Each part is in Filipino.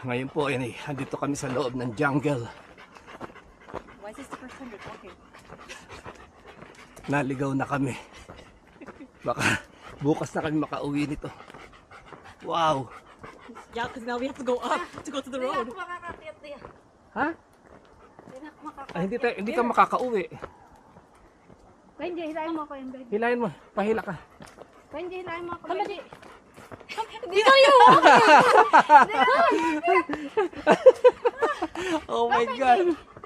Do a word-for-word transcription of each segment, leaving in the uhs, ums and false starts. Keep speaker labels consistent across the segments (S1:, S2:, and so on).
S1: Ngayon po, yan eh, andito kami sa loob ng jungle.
S2: Why is this the first time you're talking?
S1: Naligaw na kami. Baka bukas na kami makauwi nito. Wow!
S2: Yeah, because now we have to go up to go to the road.
S3: Hindi ako makakakit niya.
S1: Ha?
S3: Hindi ako makakakit.
S1: Ay, hindi, tayo, hindi ka makakauwi.
S3: Benji, hilahin mo ako yung Benji.
S1: Hilahin mo, pahila ka.
S3: Benji, hilahin mo ako.
S2: Come
S3: Benji.
S2: These are you!
S1: Oh my God!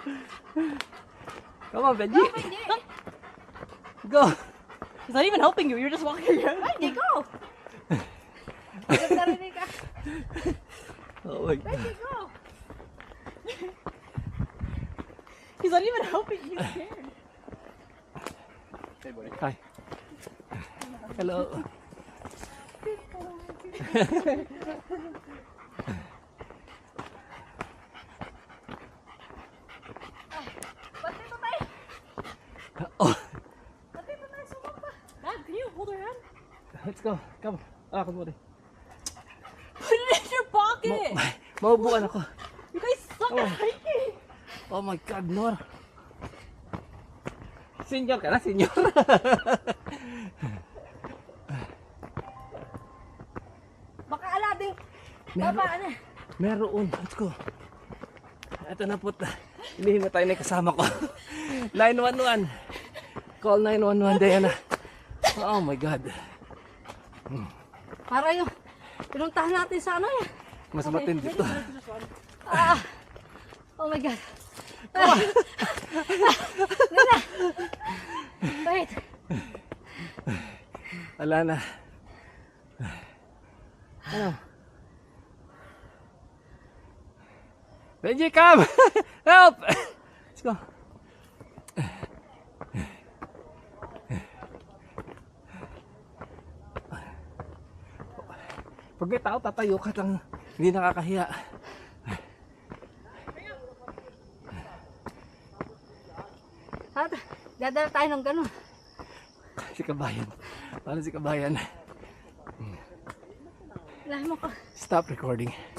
S1: Come on, Benji!
S3: Benji,
S1: Go!
S2: He's not even helping you. You're just walking around.
S3: Benji, go! Agad narinig ka.
S1: Oh my God!
S3: Benji, go!
S2: He's not even helping you. He's scared.
S1: Hi. Hello.
S3: Ba't dito tayo?
S1: Oh,
S3: Ba't dito tayo sumamba?
S2: Dad, can you hold her hand?
S1: let's go. Come. Ah, come on.
S2: Put it in your pocket.
S1: Maubuan ako.
S2: You guys suck
S1: Oh.
S2: at hiking.
S1: Oh my God, Nor. Senior ka na, senior.
S3: Baka alading.
S1: Meron.
S3: Baba na.
S1: Meron. Let's go. Ito na po. Inihin na tayo na yung kasama ko. nine one one. Call nine one one, Diana. Oh my God.
S3: Para yung pinuntahan natin sa ano eh.
S1: Mas matindi to.
S3: Ah. Oh my God. Ah. Nina. Wait.
S1: Wala na. Ano? Benji, come! Help! Let's go. Pag may tao, tatayo ka lang. Hindi nakakahiya.
S3: At dadala tayo ng ganun.
S1: Si kabayan. Paano si kabayan?
S3: Hilahin mo ko.
S1: Stop recording.